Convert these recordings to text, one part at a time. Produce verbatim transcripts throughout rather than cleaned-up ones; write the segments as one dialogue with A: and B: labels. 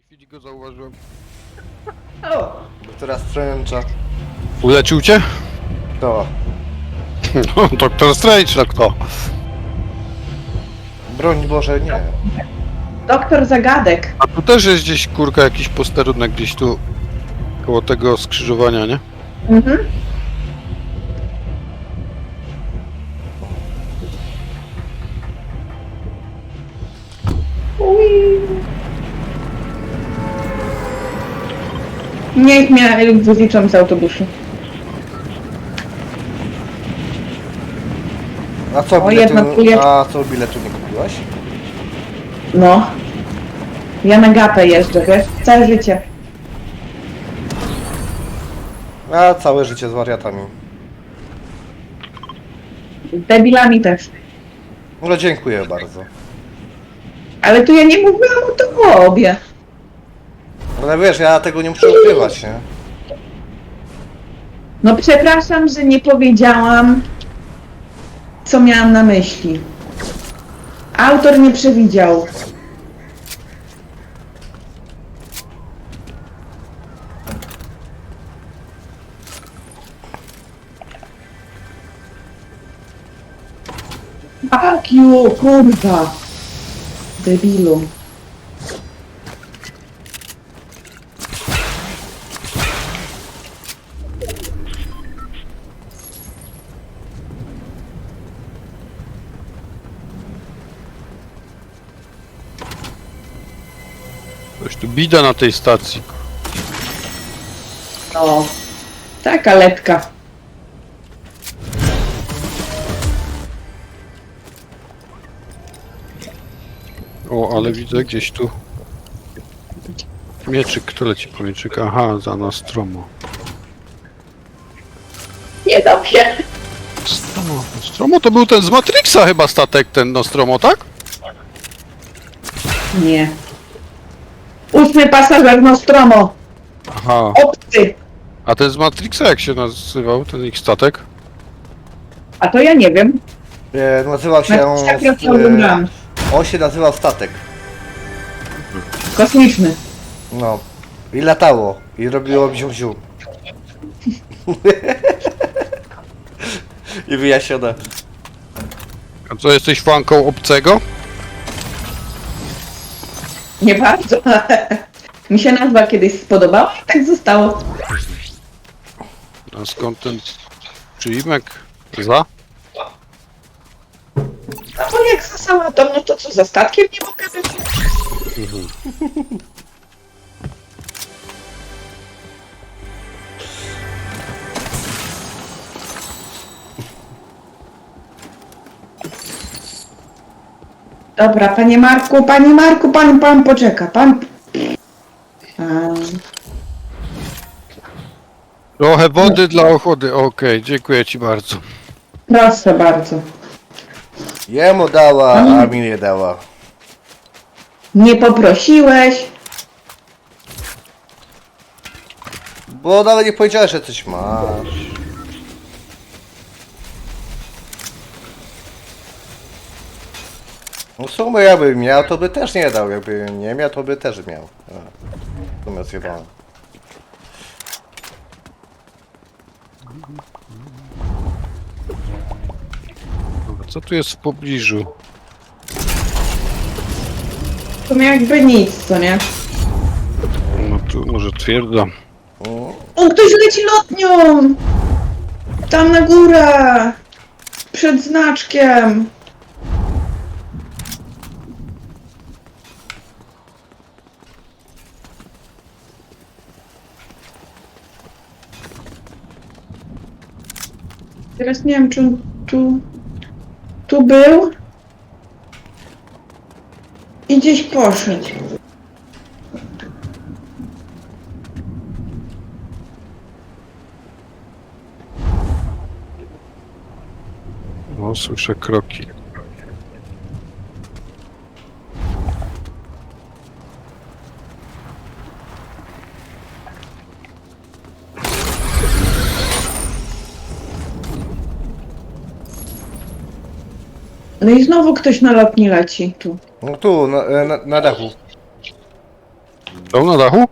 A: chwili go zauważyłem.
B: O!
C: Doktora Strange'a.
A: Ulecił cię?
C: To.
A: No, doktor Strange, no kto?
C: Broń Boże, nie.
B: Doktor Zagadek.
A: A tu też jest gdzieś, kurka, jakiś posterunek gdzieś tu koło tego skrzyżowania, nie?
B: Mhm. Ui. Niech mnie wyliczą z autobusu.
C: A co,
B: O,
C: biletu,
B: jednak tu jest-
C: a co biletu nie kupiłaś?
B: No. Ja na gapę jeżdżę, wiesz? Całe życie.
C: A całe życie z wariatami.
B: Z debilami też.
C: No dziękuję bardzo.
B: Ale tu ja nie mówiłam o tobie.
C: No wiesz, ja tego nie muszę ukrywać, nie?
B: No przepraszam, że nie powiedziałam, co miałam na myśli. Autor nie przewidział. Fuck you, kurwa. Debilu.
A: Coś tu bida na tej stacji.
B: No. Taka letka.
A: O, ale widzę gdzieś tu mieczyk, kto leci po mieczyk? Aha, za Nostromo.
B: Nie dam się.
A: Nostromo. Nostromo to był ten z Matrixa chyba statek, ten Nostromo, tak?
B: Nie. Ósmy pasażer Nostromo.
A: Aha.
B: Obcy.
A: A ten z Matrixa jak się nazywał, ten ich statek?
B: A to ja nie wiem.
C: E, nazywał się...
B: Na tak
C: e,
B: oglądam.
C: on się nazywał Statek.
B: Kosmiczny.
C: No. I latało. I robiło bziu-bziu. I wyjaśnione.
A: A co, jesteś fanką obcego?
B: Nie bardzo. Mi się nazwa kiedyś spodobała i tak zostało.
A: A skąd ten przyimek? Za?
B: No bo jak za sałatą, no to co, za statkiem nie mogę być? Dobra, panie Marku, panie Marku, pan, pan poczeka, pan... Pan...
A: Trochę wody dla ochody, okej, dziękuję ci bardzo.
B: Proszę bardzo.
C: Jemu dała, a mi nie dała.
B: Nie poprosiłeś.
C: Bo nawet nie powiedziałeś, że coś masz. No w sumie jakby miał, to by też nie dał. Jakby nie miał, to by też miał. A, w sumie zjebałem.
A: Dobra, co tu jest w pobliżu?
B: To jakby nic, co nie?
A: No tu może twierdza.
C: Mm.
B: O, ktoś leci lotnią! Tam na górę! Przed znaczkiem! Teraz nie wiem, czy on tu... Tu był? I gdzieś poszedł.
A: No, słyszę kroki.
B: No i znowu ktoś na lotni leci tu.
C: No tu, na, na, na dachu.
A: Są na dachu?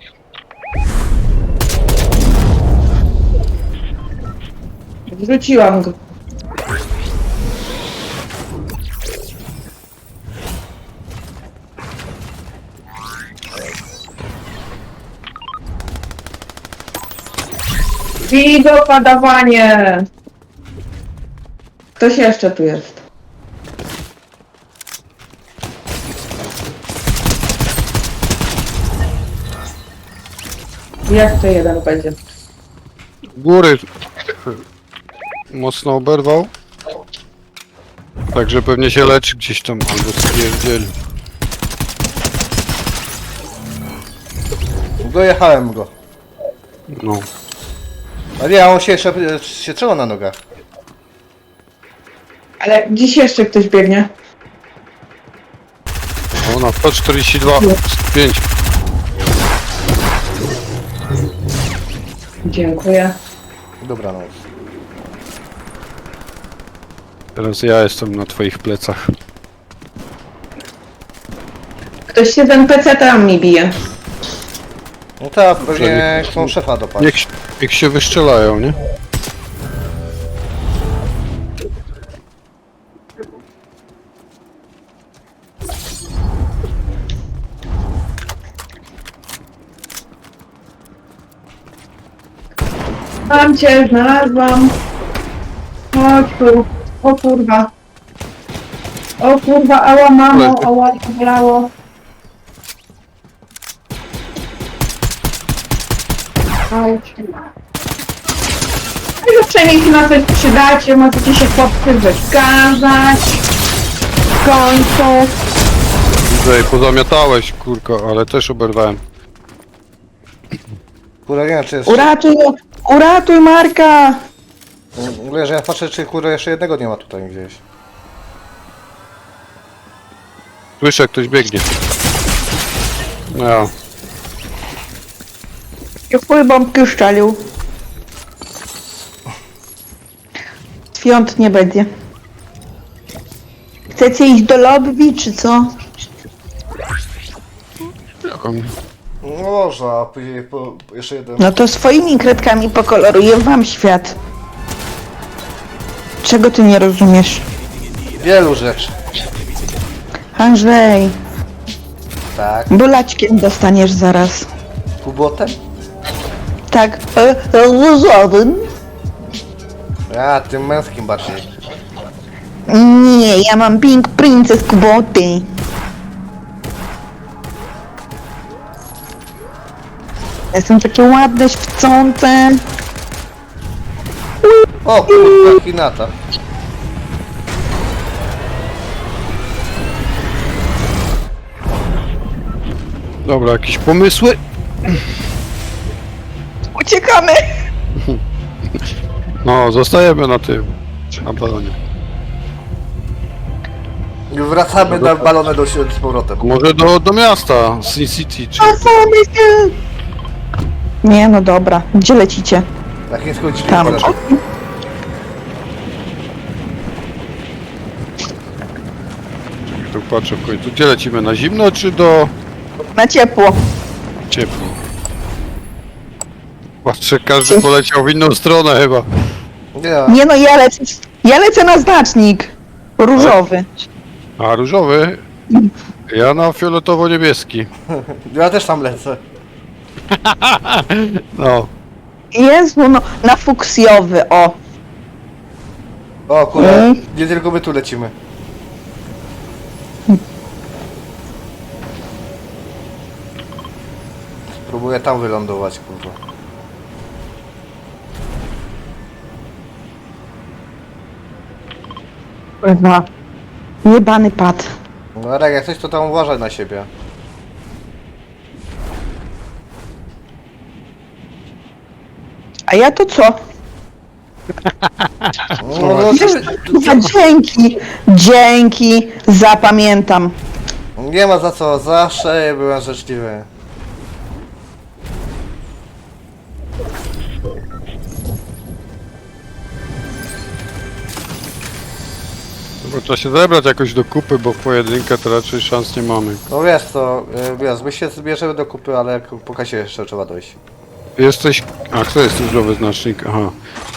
B: Wrzuciłam go. Wigo padawanie! Ktoś jeszcze tu jest. Jak to jeden będzie?
A: Góry mocno oberwał. Także pewnie się leczy gdzieś tam albo stwierdzieli.
C: Dojechałem go.
A: No.
C: A nie, a on się jeszcze się trzymał na nogach.
B: Ale dziś jeszcze ktoś biegnie.
A: O, na sto czterdzieści dwa, pięć.
B: Dziękuję.
C: Dobranoc.
A: Teraz ja jestem na twoich plecach.
B: Ktoś się z en pe ce tam mi bije.
C: No tak, pewnie chcą szefa dopaść.
A: Niech, niech się wyszczelają, nie?
B: Mam cię, znalazłam. Chodź tu. O kurwa. O kurwa, ała mamo, ała, bolało. Chodź. No i przynajmniej się na coś przydacie, możecie się chłopcy wykazać. W końcu.
A: Widzę, pozamiatałeś, kurko, ale też oberwałem.
C: Kurwa, nie wiem, czy jest...
B: Uratuj, uratuj Marka.
C: Mówię, że ja patrzę, czy kurwa jeszcze jednego nie ma tutaj gdzieś.
A: Słyszę, ktoś biegnie. No ja.
B: I chuj bombki szczelił. Świąt nie będzie. Chcecie iść do lobby, czy co?
A: Jaką-
C: No można, a później po, jeszcze jeden.
B: No to swoimi kredkami pokoloruję wam świat. Czego ty nie rozumiesz?
C: Wielu rzeczy.
B: Andrzej,
C: Tak.
B: bolaćkiem dostaniesz zaraz.
C: Kubotem?
B: Tak, e, różowym.
C: A, tym męskim bardziej.
B: Nie, ja mam Pink Princess Kuboty. Jestem takie ładne, świecące.
C: O kurwa, Hinata.
A: Dobra, jakieś pomysły?
B: Uciekamy!
A: No, zostajemy na tym. Na balonie.
C: I wracamy na balonę do siebie z powrotem.
A: Może do, do miasta, Sin City, czy...
B: Nie, no dobra. Gdzie lecicie?
C: Na chińską dźwignię
B: Tam.
C: polecam.
A: Tu patrzę w końcu. Gdzie lecimy? Na zimno, czy do
B: Na ciepło.
A: ciepło? Patrzę, każdy poleciał w inną stronę chyba.
C: Nie,
B: Nie no, ja lecę, ja lecę na znacznik. Różowy.
A: A różowy? Ja na fioletowo-niebieski.
C: ja też tam lecę.
A: No.
B: Jezu, no, na fuksjowy, o.
C: O kurwa,
B: Mm.
C: nie tylko my tu lecimy. Spróbuję tam wylądować, kurwa.
B: Kurwa. Jebany pad.
C: No ale jak coś, to tam uważaj na siebie.
B: A ja to co?
C: No, no,
B: Kurwa, dzięki, dzięki, zapamiętam.
C: nie ma za co, zawsze byłem życzliwy.
A: Bo trzeba się zebrać jakoś do kupy, bo w pojedynkę to raczej szans nie mamy.
C: No wiesz co, y, wiesz, my się zbierzemy do kupy, ale jak po kasie jeszcze trzeba dojść.
A: Jesteś... A kto jest różowy znacznik? Aha.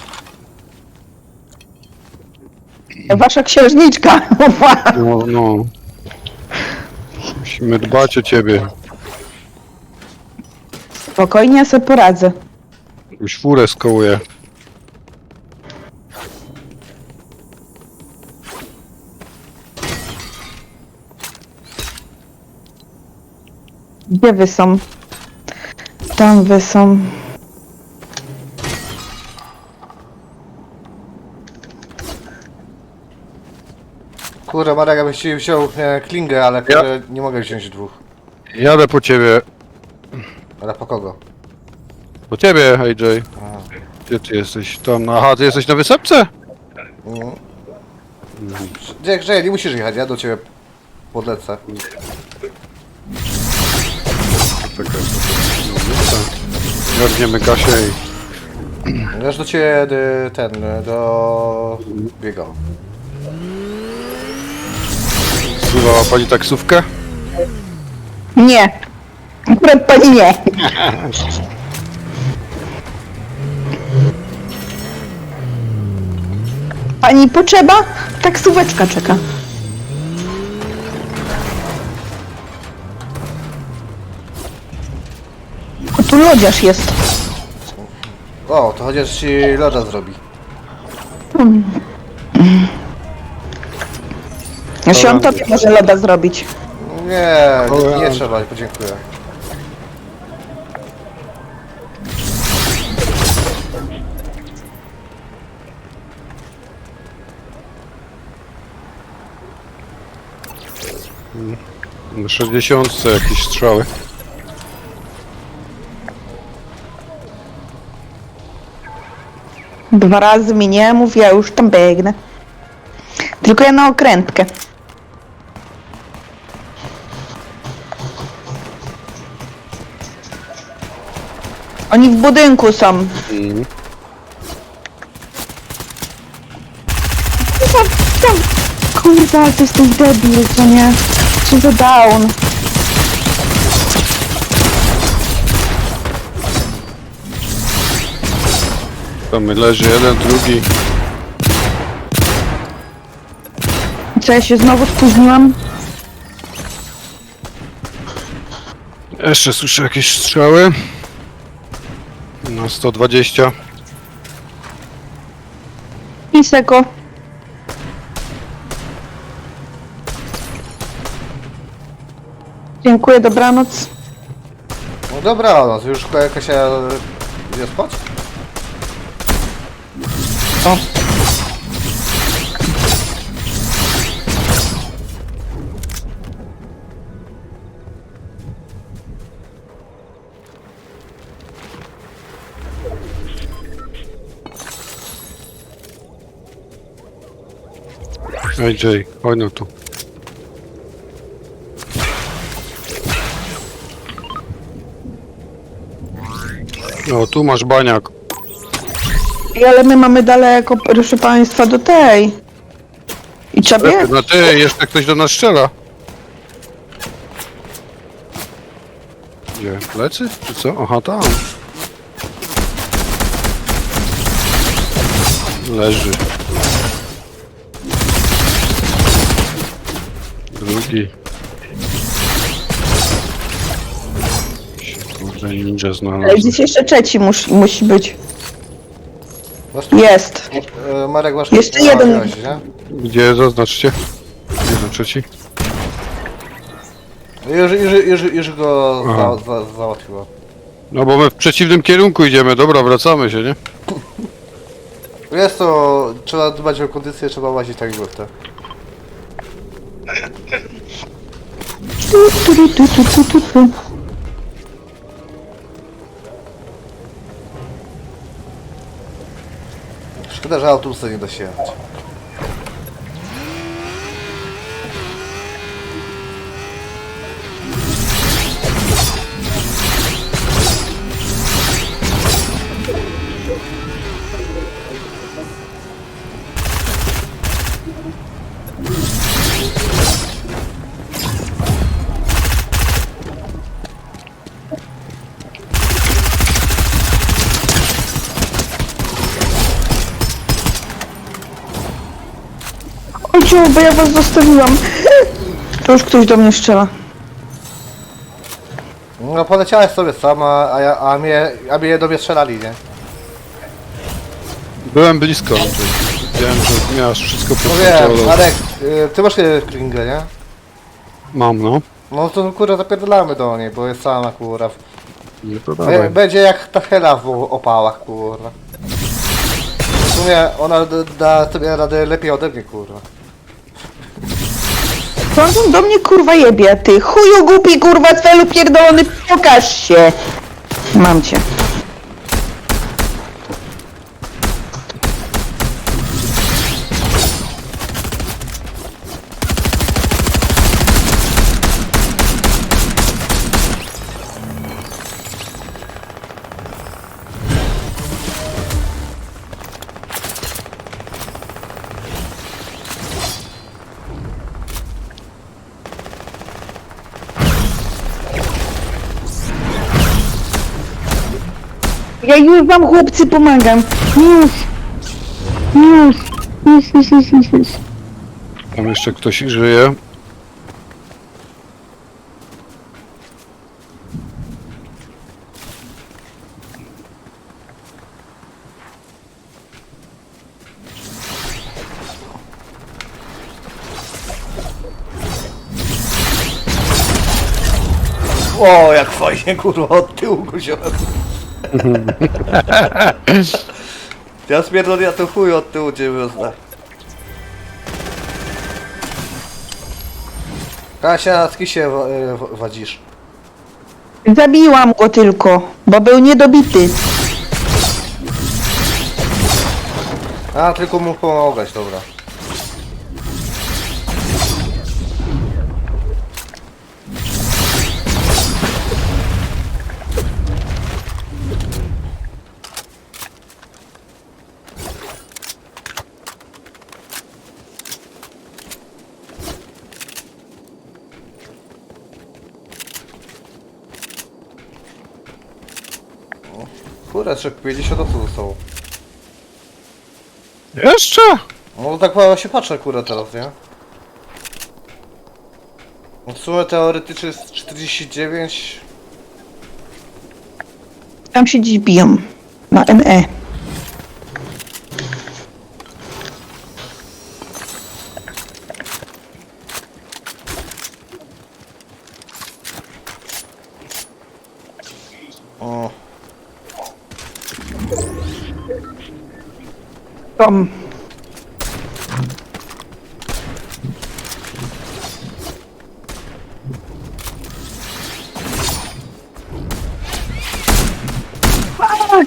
B: Wasza księżniczka.
A: No, no. Musimy dbać o ciebie.
B: Spokojnie, ja sobie poradzę.
A: Już furę skołuję.
B: Gdzie wy są? Tam wy są.
C: Kurde, Marek, ja byś ci wziął e, klingę, ale kurde, nie mogę wziąć dwóch.
A: Jadę po ciebie.
C: Ale po kogo?
A: Po ciebie, A J.
C: A,
A: Gdzie ty jesteś? Tam, aha, ty jesteś na wysepce?
C: mm. Gdzie, gdzie, nie musisz jechać, ja do ciebie podlecę.
A: Czekaj. Garniemy Kasię i...
C: Ja już do ciebie y, ten, y, do biega.
A: Wzywała pani taksówkę?
B: Nie. Akurat pani nie. Pani potrzeba? Taksóweczka czeka. O, tu lodziarz jest.
C: O, to chociaż ci loda zrobi.
B: Ja się on tobie może loda zrobić.
C: Nie, nie, nie
A: O,
C: trzeba, podziękuję.
A: Na sześćdziesiątce jakieś strzały.
B: Dwa razy mi nie mów, ja już tam biegnę. Tylko ja na okrętkę. Oni w budynku są.
A: Mhm.
B: Kurwa, tam. Kurwa, ale to jest ten debil, co nie? Co za down.
A: Tam leży jeden, drugi.
B: Co, ja się znowu spóźniłam?
A: Jeszcze słyszę jakieś strzały. Na sto dwadzieścia.
B: Piseko. Dziękuję, dobranoc.
C: No dobra, no to już Kasia idzie spać?
B: O.
A: A J, chodź no tu. No, tu masz baniak.
B: I ale my mamy daleko, proszę państwa, do tej. I trzeba biec.
A: No ty, jeszcze ktoś do nas strzela. Gdzie? Plecy? Czy co? Aha, tam. Leży. Drugi. Kurde, ninja znalazł.
B: Gdzieś jeszcze trzeci mus, musi być.
C: Masz tu?
B: Jest.
C: E, Marek, masz
B: Jeszcze
C: a,
B: jeden.
C: wziąłeś, nie?
A: Gdzie? Zaznaczcie. Jeden trzeci.
C: Już, już, już, już go
A: Aha.
C: za, za, załatwiło.
A: No bo my w przeciwnym kierunku idziemy. Dobra, wracamy się, nie?
C: Jest to, trzeba dbać o kondycję, trzeba łazić tak jak to.
B: Tu, tu, tu, tu, tu, tu, tu.
C: Szkoda, że autobusy nie da się jechać.
B: Ojciu, bo ja was zostawiłam. To już ktoś do mnie strzela.
C: No poleciałeś sobie sama, a, ja, a, mnie, a mnie do mnie strzelali, nie?
A: Byłem blisko, Andrzej. Wiedziałem, że miałeś wszystko pod
C: No wiem,
A: kontrolą.
C: Marek, y, ty masz y, klingę, nie?
A: Mam, no.
C: No to kurwa zapierdolamy do niej, bo jest sama kurwa.
A: Nie to
C: Be-
A: dawaj.
C: Będzie jak ta hela w opałach kurwa. W sumie ona d- da sobie radę lepiej ode mnie kurwa.
B: Co on do mnie kurwa jebie, ty chuju głupi kurwa celu pierdolony, pokaż się. Mam cię. Ja już wam chłopcy pomagam. Już. Już. Już, już, już, już, już.
A: Tam jeszcze ktoś żyje.
C: O, jak fajnie kurwa od tyłu go wziąłem. Ja spierdolę, ja to chuj od tyłu cię wyznę. Kasia, z kim się wa- y, w- wadzisz?
B: Zabiłam go tylko, bo był niedobity.
C: A, tylko mu pomogłeś, dobra. Kurę, jeszcze pięćdziesiąt osób zostało.
A: Jeszcze?
C: No tak mało się patrzę kurę teraz, nie? No w sumie teoretycznie jest czterdzieści dziewięć.
B: Tam się dziś biją. Na N E.
C: O,
B: Tom. Fuck!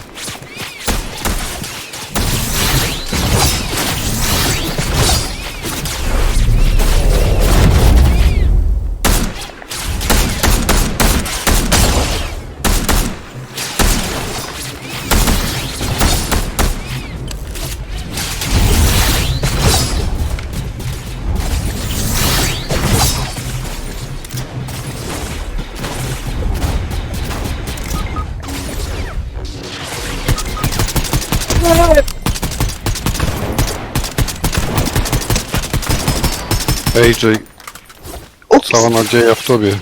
A: A J, cała nadzieja w tobie.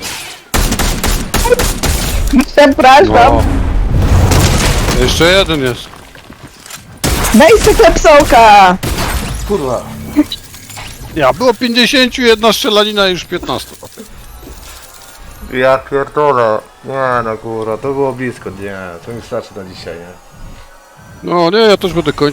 B: Przepraszam.
A: No. Jeszcze jeden jest.
B: Daj se klepsołka.
C: kurwa.
A: Ja, było pięćdziesiąt, jedna strzelanina i już piętnaście.
C: Ja pierdolę. Nie no kurwa, to było blisko, nie. To mi starczy na dzisiaj, nie?
A: No nie, ja też będę kończył.